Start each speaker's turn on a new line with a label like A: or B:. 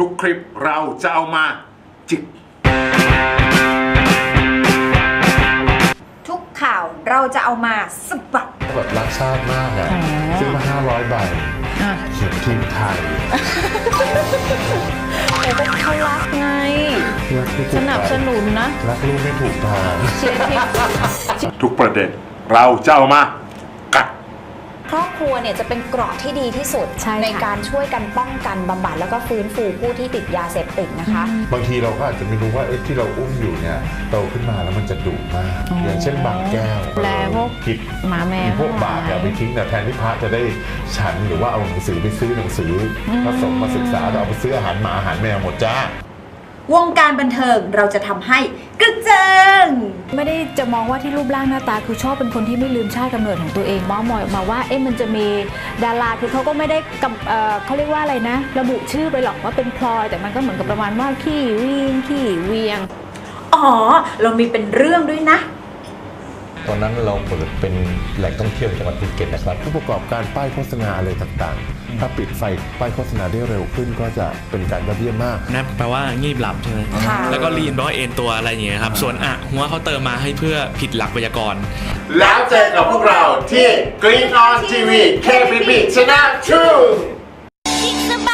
A: ทุกคลิปเราจะเอามาจิก
B: ทุกข่าวเราจะเอามาสะบัด
C: แบบรักชาติมากอ่ะซื้อมา500 ใบเขียนทีมไทย
D: แต่ก็เขารักไงสนับสนุนนะ
C: รักลูกไม่ถูกทาง
D: เชียร์ทีม
A: ทุกประเด็นเราจะเอามากัด
E: ครอบครัวเนี่ยจะเป็นเกราะที่ดีที่สุด ในการช่วยกันป้องกันบำบัดแล้วก็ฟื้นฟูผู้ที่ติดยาเสพติดนะคะ
C: บางทีเราก็อาจจะไม่รู้ว่าที่เราอุ้มอยู่เนี่ยโตขึ้นมาแล้วมันจะดุมากอย่างเช่นบางแก้ว
D: แล้วพวก
C: กิบ
D: หมาแมว
C: พวกบาปอย่าไปทิ้งแต่แทนที่พระจะได้ฉันหรือว่าเอาหนังสือไปซื้อหนังสือผสมมาศึกษาแต่เอาไปซื้ออาหารหมาอาหารแมวหมดจ้าว
B: งการบันเทิงเราจะทำให้กระเจิง
D: ไม่ได้จะมองว่าที่รูปร่างหน้าตาคือชอบเป็นคนที่ไม่ลืมชาติกำเนิดของตัวเองมองมาว่ามันจะมีดาราคือเขาก็ไม่ได้เขาเรียกว่าอะไรนะระบุชื่อไปหรอกว่าเป็นพลอยแต่มันก็เหมือนกับประมาณว่าขี้วิ่งขี้เวียง
B: อ๋อเรามีเป็นเรื่องด้วยนะ
F: ตอนนั้นเราเปิดเป็นแหล่งท่องเที่ยวจังหวัดภูเก็ตนะครับ
C: ผู้ประกอบการป้ายโฆษณาอะไรต่างๆถ้าปิดไฟป้ายโฆษณาได้เร็วขึ้นก็จะเป็นการยอดเยี่ยมมาก
G: นะแปลว่างีบหลับใช่ไหมแล้วก็ลีนแปลว่าเอ็นตัวอะไรอย่างเงี้ยครับส่วนหัวเขาเติมมาให้เพื่อผิดหลักไวยากรณ์
A: แล้วเจอกับพวกเราที่ Green On TV KPP Channel 2